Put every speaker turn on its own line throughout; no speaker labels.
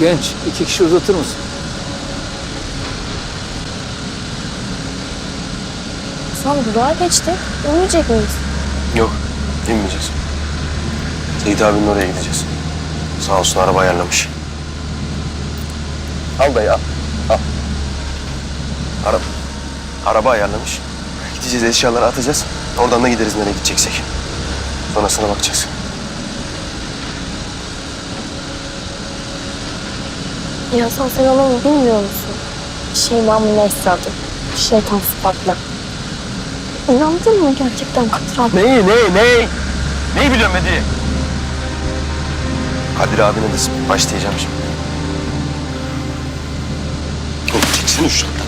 Genç, 2 kişi uzatır mısın?
Hasan durağa geçtik. Ölmeyecek miyiz?
Yok, inmeyeceğiz. Seyit abinin oraya gideceğiz. Sağ olsun araba ayarlamış. Al dayı al. Al. Araba ayarlamış. Gideceğiz, eşyaları atacağız. Oradan da gideriz nereye gideceksek. Sonrasına bakacağız.
Ya Hasan sen onu bilmiyor musun? Şeyma'nın Esra'dır. Şeytan sıfatlı. İnandın mı gerçekten Kadir abi?
Neyi? Neyi biliyorum Hediye? Kadir abine de başlayacağım şimdi. Oğlum çeksene şu şartları.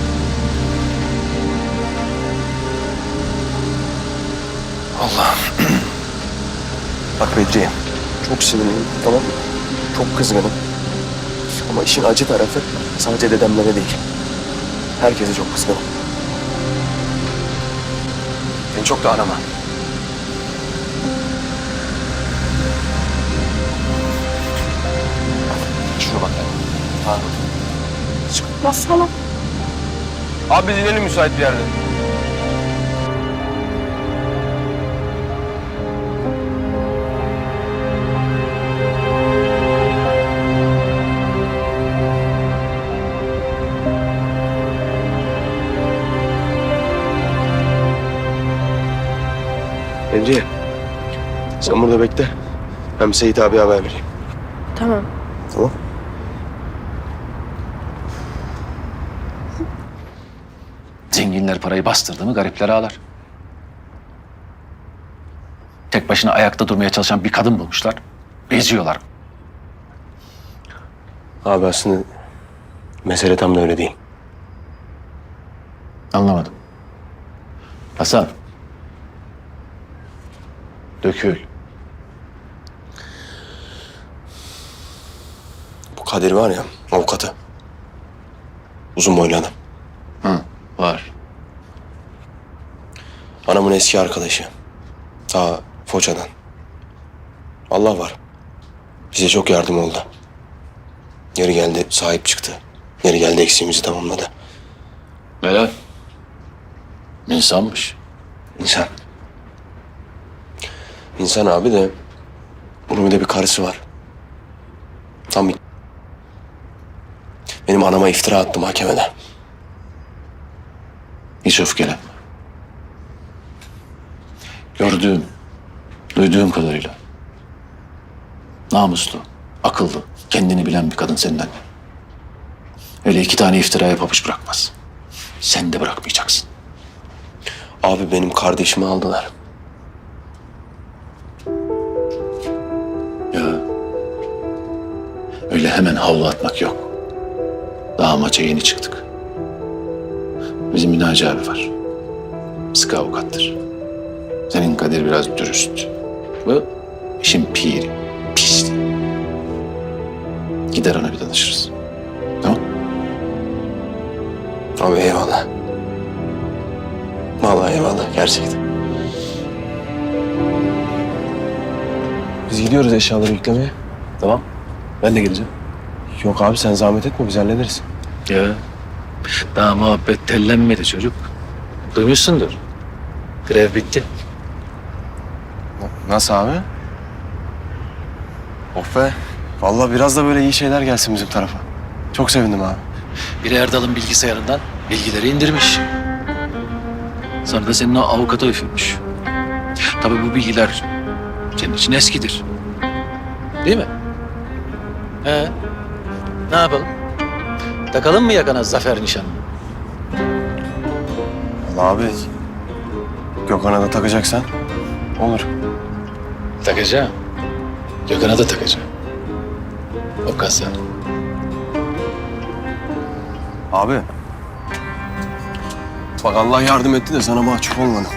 Allah'ım. Bak Bedriye, çok sinirliyim, tamam mı? Çok kızgınım. Ama işin acı tarafı sadece dedemlere değil. Herkese çok kızgınım. Beni çok da arama. Şuna bak ya. Pardon.
Bassana.
Abi biz inelim müsait bir yerde. Bedriye, sen burada bekle. Ben Seyit abiye haber vereyim.
Tamam.
Tamam.
Zenginler parayı bastırdı mı garipler ağlar. Tek başına ayakta durmaya çalışan bir kadın bulmuşlar. Eziyorlar.
Abi aslında mesele tam da öyle değil.
Anlamadım. Hasan. Dökül.
Bu Kadir var ya, avukatı. Uzun boylu adam.
Hı, var.
Anamın eski arkadaşı. Ta Foça'dan. Allah var. Bize çok yardım oldu. Yeri geldi sahip çıktı. Yeri geldi eksiğimizi tamamladı.
Helal. İnsanmış.
İnsan. İnsan abi de bunun bir de bir karısı var. Tam bir... Benim anama iftira attı mahkemede.
Hiç öfkelenme. Gördüğüm, duyduğum kadarıyla namuslu, akıllı, kendini bilen bir kadın senin annen. Öyle 2 tane iftiraya pabuç bırakmaz. Sen de bırakmayacaksın.
Abi benim kardeşimi aldılar.
Ya öyle hemen havlu atmak yok. Daha maça yeni çıktık. Bizim Minaci abi var. Sıkı avukattır. Senin Kadir biraz dürüst. Bu işin piri, pisliği. Gider ona bir danışırız. Tamam?
Abi eyvallah. Vallahi eyvallah gerçekten. Biz gidiyoruz eşyaları yüklemeye.
Tamam. Ben de geleceğim.
Yok abi sen zahmet etme biz hallederiz.
Ya daha muhabbet tellenmedi çocuk. Duymuşsundur. Grev bitti.
Nasıl abi? Of be. Vallahi biraz da böyle iyi şeyler gelsin bizim tarafa. Çok sevindim abi.
Biri Erdal'ın bilgisayarından bilgileri indirmiş. Sonra da senin o avukata üfürmüş. Tabii bu bilgiler senin için eskidir. Değil mi? Ne yapalım? Takalım mı yakana zafer nişanını?
Vallahi abi Gökhan'a da takacaksan olur.
Takacağım. Gökhan'a da takacağım. O kasa.
Abi. Bak Allah yardım etti de sana mahcup olmadım.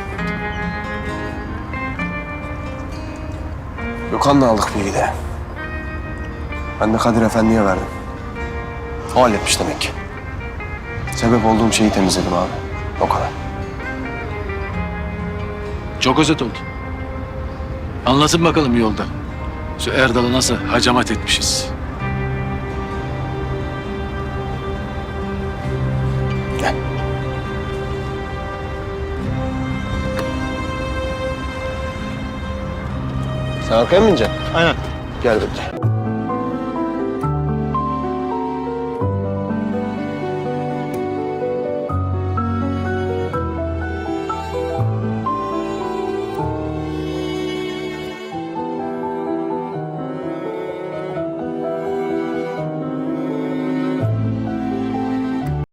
Gökhan'la aldık bilgiyi de. Ben de Kadir Efendi'ye verdim. O halletmiş demek ki. Sebep olduğum şeyi temizledim abi. O kadar.
Çok özet oldu. Anlatın bakalım yolda. Şu Erdal'ı nasıl hacamat etmişiz.
Sen arkaya mı bineceksin?
Aynen.
Gel bekle.